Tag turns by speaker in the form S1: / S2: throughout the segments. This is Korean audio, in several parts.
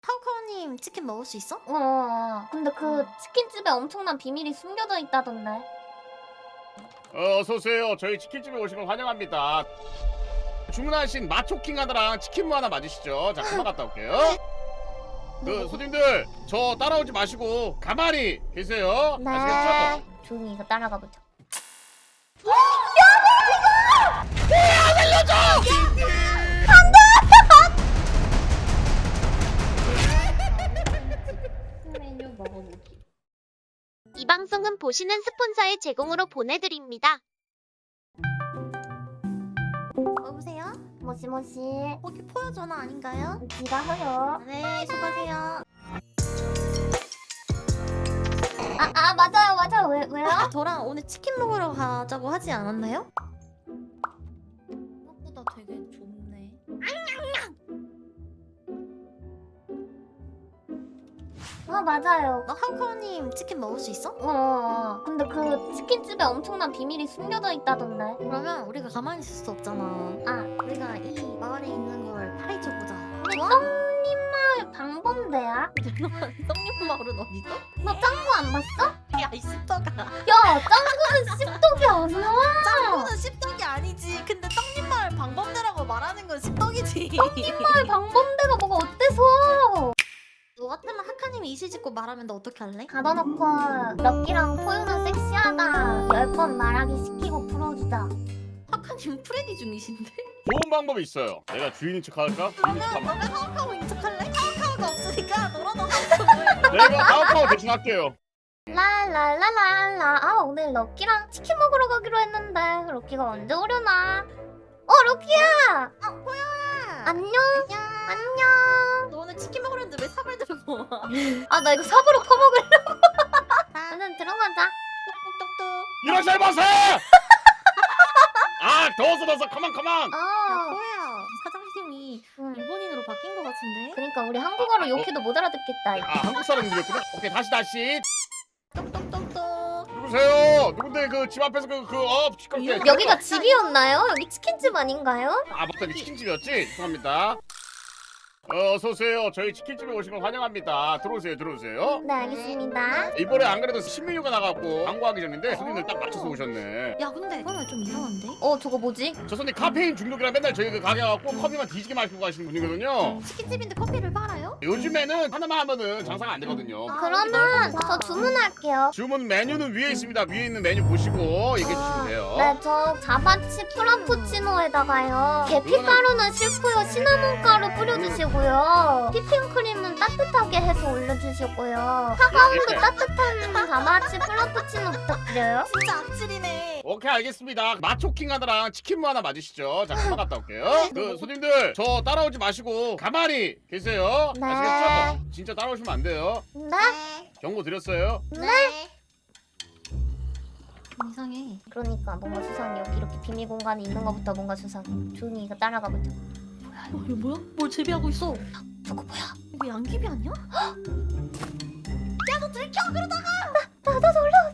S1: 카우카우님 치킨 먹을 수 있어?
S2: 근데 그 치킨집에 엄청난 비밀이 숨겨져 있다던데.
S3: 어서오세요. 저희 치킨집에 오신 걸 환영합니다. 주문하신 마초킹 하나랑 치킨무 하나 맞으시죠? 자, 금방 갔다 올게요. 그 손님들 저 따라오지 마시고 가만히 계세요. 아시겠죠?
S2: 조용히 이거 따라가 보자.
S1: 메뉴 먹어보기.
S4: 이 방송은 보시는 스폰서의 제공으로 보내드립니다.
S1: 여보세요?
S2: 모시모시.
S1: 거기 포효 전화 아닌가요?
S2: 네가 허요.
S1: 네, 수고하세요.
S2: 맞아요. 왜요?
S1: 저랑 오늘 치킨 먹으러 가자고 하지 않았나요? 생각보다 되게 좁네.
S2: 맞아요.
S1: 카우카우님 치킨 먹을 수 있어?
S2: 근데 그 치킨집에 엄청난 비밀이 숨겨져 있다던데.
S1: 그러면 우리가 가만히 있을 수 없잖아. 우리가 이 마을에 있는 걸 파헤쳐보자.
S2: 떡님마을 방범대야?
S1: 성님 마을은 어디죠?
S2: 너 짱구 안 봤어?
S1: 야, 이 씹덕아.
S2: 야, 짱구는 씹독이 아니야.
S1: 짱구는 씹덕이 아니지. 근데 떡님 마을 방범대라고 말하는 건 씹덕이지.
S2: 마을 방범대가 뭐가 어때서?
S1: 너 같으면 하카님이 이실 짓고 말하면 너 어떻게 할래?
S2: 가둬놓고 럭키랑 포유는 섹시하다 10번 말하기 시키고 풀어주자.
S1: 하카님 프레디 중이신데?
S3: 좋은 방법이 있어요. 내가 주인인 척 할까? 주인인 척 하면
S1: 너가 카우카우 인척할래? 카우카우가 없으니까 너라도 하우카우.
S3: 내가 카우카우 대신 할게요.
S2: 랄랄랄랄라. 오늘 럭키랑 치킨 먹으러 가기로 했는데 럭키가 언제 오려나? 럭키야.
S1: 포효야.
S2: 안녕.
S1: 너 오늘 치킨 먹으러 했는데 왜 삽을 들고 와?
S2: 나 이거 삽으로 퍼먹으려고. 얼른 들어가자.
S1: 똑똑똑똑.
S3: 이러지 마세요. 더워서 가만.
S1: 야, 포효야. 사장님이
S2: 응.
S1: 일본인으로 바뀐 것 같은데?
S2: 그러니까 우리 한국어로 욕해도 못 알아듣겠다.
S3: 한국 사람들이었구나. 오케이, 다시.
S1: 똑똑똑똑.
S3: 누구세요? 누군데 그 집 앞에서 시끄럽게.
S2: 여기가 집이었나요? 여기 치킨집 아닌가요?
S3: 맞다, 이게 치킨집이었지? 죄송합니다. 어서오세요. 저희 치킨집에 오신 걸 환영합니다. 들어오세요.
S2: 네, 알겠습니다.
S3: 이번에 안 그래도 신메뉴가 나가고 광고하기 전인데 손님들 딱 맞춰서 오셨네.
S1: 야, 근데 그러면 좀 이상한데?
S2: 저거 뭐지?
S3: 저 손님 카페인 중독이라 맨날 저희 그 가게 와갖고 커피만 뒤지게 마시고 가시는 분이거든요.
S1: 치킨집인데 커피를 팔아요?
S3: 요즘에는 하나만 하면은 장사가 안 되거든요.
S2: 그러면 저 주문할게요.
S3: 주문 메뉴는 위에 있습니다. 위에 있는 메뉴 보시고 얘기해 주시면 돼요.
S2: 네, 저 자바치 프라푸치노에다가요. 계피가루는 싫고요. 시나몬 가루 뿌려주시고요. 휘핑크림은 따뜻하게 해서 올려주시고요. 차가운도 따뜻한 자바치 프라푸치노 부탁드려요.
S1: 진짜 악질이네.
S3: 오케이, 알겠습니다. 마초킹 하나랑 치킨무 하나 맞으시죠? 자, 금방 갔다 올게요. 그 손님들 저 따라오지 마시고 가만히 계세요.
S2: 네.
S3: 아시겠죠? 진짜 따라오시면 안 돼요.
S2: 네?
S3: 경고 드렸어요.
S1: 이상해.
S2: 그러니까 뭔가 수상해. 여기 이렇게 비밀 공간이 있는 것부터 뭔가 수상해. 조용히 이거 따라가 보자.
S1: 이거 뭐야? 뭘 재배하고 있어?
S2: 저거 뭐야?
S1: 이거 양귀비 아니야? 야, 너 들켜 그러다가.
S2: 나도 놀라.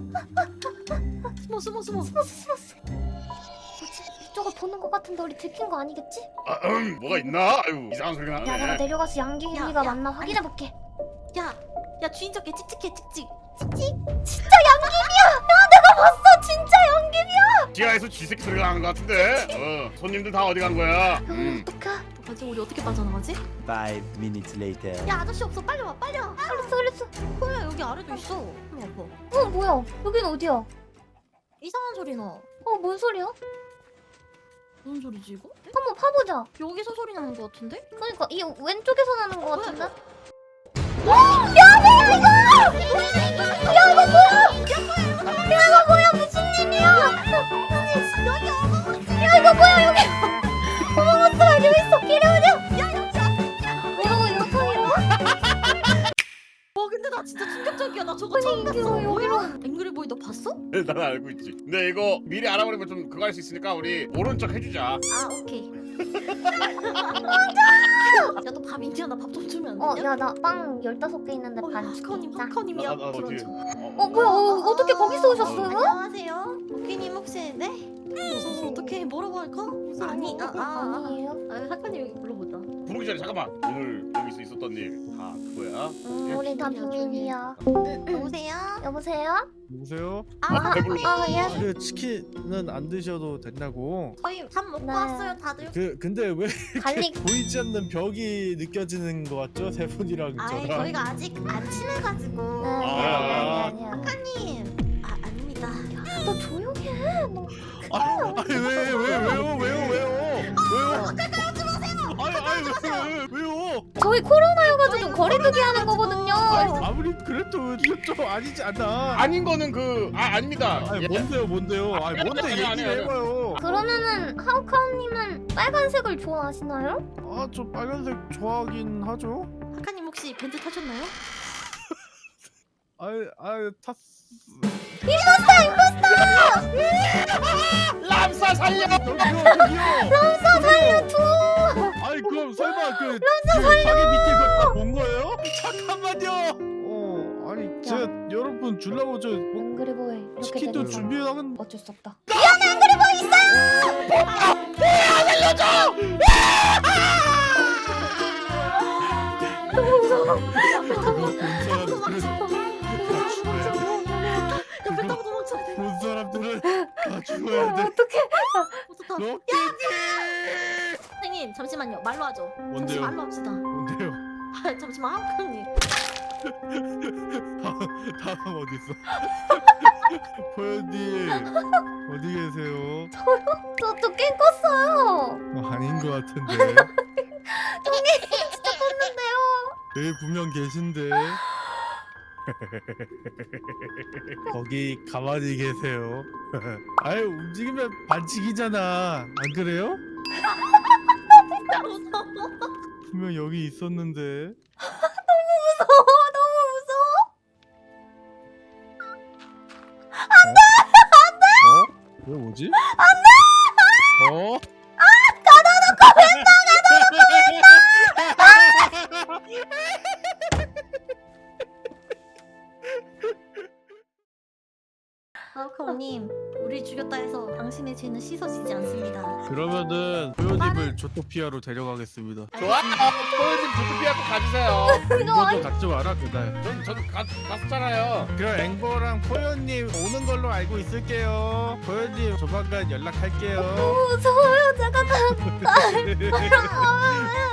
S1: 숨어.
S2: 뭐지? 이쪽을 보는 것 같은데 우리 들킨 거 아니겠지?
S3: 뭐가 있나? 아유, 이상한 소리가
S2: 야, 내가
S3: 나네.
S2: 내려가서 양귀비가
S1: 야,
S2: 맞나 확인해볼게.
S1: 야, 주인적게 찍찍해 찍찍.
S2: 진짜 양귀비야! 야, 내가 봤어! 진짜 양귀비야!
S3: 지하에서 쥐새끼 소리가 나는 것 같은데. 손님들 다 어디 간 거야?
S2: 어떡해?
S1: 어떡하지? 우리 어떻게 빠져나가지?
S5: 5 minutes later.
S1: 야, 아저씨 없어. 빨리 와.
S2: 알았어.
S1: 포효야, 여기 아래도 있어. 한번 와봐.
S2: 뭐야? 여긴 어디야?
S1: 이상한 소리 나.
S2: 뭔 소리야?
S1: 무슨 소리지 이거?
S2: 한번 파보자.
S1: 여기서 소리 나는 것 같은데?
S2: 그러니까 이 왼쪽에서 나는 것 같은데? 무슨 일이야? 야, 이거 뭐야, 여기! 어머머스, 여기 있어! 끼려오냐! 이러고 통이라고?
S1: 와, 근데 나 진짜 충격적이야. 나 저거 처음 봤어.
S2: 이거 여기로.
S1: 앵그리보이 너 봤어?
S3: 난 알고 있지. 근데 이거 미리 알아버리면 좀 그거 할 수 있으니까 우리 모른 척 해주자.
S1: 오케이. 야, 너 밥 인디야. 나 밥 좀 주면 안 되냐?
S2: 야, 나 빵 15개 있는데 반
S1: 하카님,
S2: 줄게. 자.
S1: 하카님이야.
S3: 나 어디?
S2: 뭐야, 어떻게 거기서 오셨어요?
S1: 안녕하세요. 오키님 혹시 네? 어떡해. 뭐라고 할까? 아니,
S2: 아니에요.
S1: 하카님 여기 불러보자.
S3: 부르기 전에 잠깐만. 오늘 여기서 있었던 일 다 그거야.
S2: 우리 다 비밀이야.
S1: 여보세요?
S2: 여보세요?
S6: 누구세요?
S3: 배불러.
S2: 예.
S6: 그 치킨은 안 드셔도 된다고.
S1: 저희 밥 먹고
S2: 네.
S1: 왔어요 다들.
S6: 근데 왜
S2: 갈릭.
S6: 이렇게 보이지 않는 벽이 느껴지는 것 같죠? 세 분이랑
S1: 아이
S6: 저랑.
S1: 저희가 아직 안 친해가지고.
S2: 아니야.
S1: 작가님. 아닙니다.
S2: 너 조용히 해. 너.
S6: 아니 왜요? 왜요?
S2: 저희 코로나여가지고 거리두기 하는 거거든요.
S6: 아무리 그래도 좀 아니지 않나?
S3: 아닌 거는 아닙니다.
S6: 아니
S3: 예.
S6: 뭔데요? 아니 뭔데
S3: 아니, 아니,
S6: 얘기를
S3: 아니.
S6: 해봐요.
S2: 그러면은 하우카우님은 빨간색을 좋아하시나요?
S6: 아 저 빨간색 좋아하긴 하죠.
S1: 작가님 혹시 벤트 타셨나요?
S6: 아유 탔.
S3: 람사 살려.
S6: 람사 살려줘. 아니 그럼 설마 그 자기 밑에 그거 본 거예요? 잠깐만요. 아니 제가 여러분 주려고 저
S2: 앵그리보이 이렇게
S6: 치킨도
S2: 되는 건
S6: 준비하는.
S2: 어쩔 수 없다.
S1: 옆에 타고 도망쳐야 돼.
S6: 본 사람들은 다 죽어야 돼.
S2: 어떡해.
S1: 어떡하.
S6: 로켓이.
S1: 선생님 잠시만요. 말로 하죠. 잠시
S6: 뭔데요?
S1: 말로 합시다.
S6: 뭔데요?
S1: 아, 잠시만 하우카님.
S6: 다음 어디 있어? 포연님 어디 계세요?
S2: 저도 깬 껐어요.
S6: 아닌 것 같은데.
S2: 진짜 껐는데요.
S6: 여기 분명 계신데. 거기 가만히 계세요. 아유 움직이면 반칙이잖아. 안 그래요?
S1: 진짜 무서워.
S6: 분명 여기 있었는데.
S2: 무서워. 너무 무서워.
S6: 어? 왜 뭐지? 안돼! 어?
S1: 하우카님, 우리 죽였다 해서 당신의 죄는 씻어지지 않습니다.
S6: 그러면은 포연님을 조토피아로 데려가겠습니다.
S3: 좋아. 포연님 부트피하고 가주세요.
S6: 앵보도 같이 와라 그날.
S3: 전 갔었잖아요.
S6: 그럼 앵보랑 포연님 오는 걸로 알고 있을게요. 포연님 조만간 연락할게요.
S2: 무서워요. 제가 다.